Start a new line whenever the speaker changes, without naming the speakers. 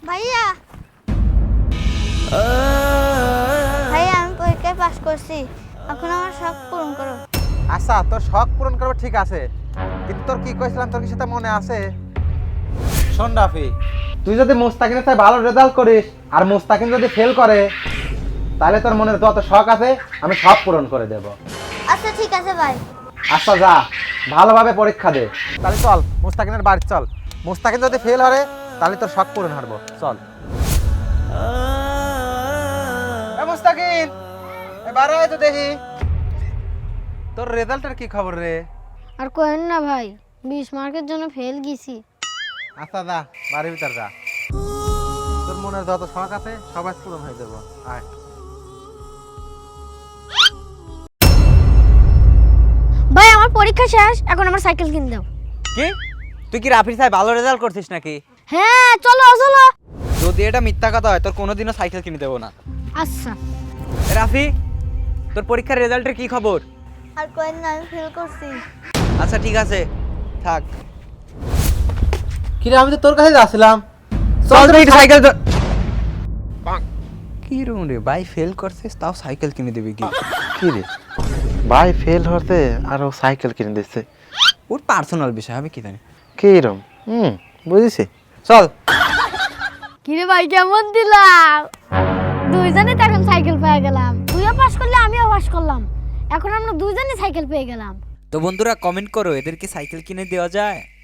ভাইয়া ভাইয়া আমি পরীক্ষায় পাস করছি, এখন আমার শখ পূরণ করো।
আচ্ছা, তোর শখ পূরণ করবে ঠিক আছে, কিন্তু তোর কি কইছিলাম তোর কি সেটা মনে আছে? শোন রাফি, তুই যদি মুস্তাকিনের সাথে ভালো রেজাল্ট করিস আর মুস্তাকিন যদি ফেল করে, তাহলে তোর মনের যত শখ আছে আমি সব পূরণ করে দেব।
আচ্ছা ঠিক আছে ভাই।
আচ্ছা যা, ভালোভাবে পরীক্ষা দে। তাহলে চল মুস্তাকিনের বাড়ি চল, মুস্তাকিন যদি ফেল হরে তাহলে তোর শখ পূরণ হারবো। চল মুস্তাকিন, এবার আয় তো দেখি তোর রেজাল্টের কি খবর রে?
আর কোয়েন না ভাই, 20 মার্কের জন্য ফেল গেছি।
আচ্ছা যা, বাড়ির ভিতর যা, তোর মনের যত শখ আছে সবাই পূরণ হয়ে যাবো। আয়।
ভাই আমার পরীক্ষা শেষ, এখন আমার সাইকেল কিনে দাও।
কি তুই কি রাফির সাহেব ভালো রেজাল্ট করছিস নাকি?
হ্যাঁ চলো চলো।
যদি এটা মিথ্যা কথা হয় তোর কোনোদিনও সাইকেল কিনে দেবো না।
আচ্ছা
এ রাফি, তোর পরীক্ষার রেজাল্টের কি খবর?
আর কোয়েন না, আমি ফেল করছি।
আচ্ছা ঠিক আছে, থাক।
কিরে আমি তো তোর কাছে যাচ্ছিলাম।
চল তো একটু সাইকেল কি রুম রে, ভাই ফেল করছিস তাও সাইকেল কিনে দিবি কি?
কি রে ভাই ফেল হতে আর ও সাইকেল কিনে দিচ্ছে,
ওর পার্সোনাল বিষয়, আমি কি জানি।
কি রকম বুঝেছি।
চল।
কিরে ভাই কেমন দিলাম? দুইজনে তো এখন সাইকেল পেয়ে গেলাম, তুইও পাস করলে আমিও পাস করলাম, এখন আমরা দুইজনে সাইকেল পেয়ে গেলাম।
তো বন্ধুরা কমেন্ট করো, এদেরকে সাইকেল কিনে দেওয়া যায়?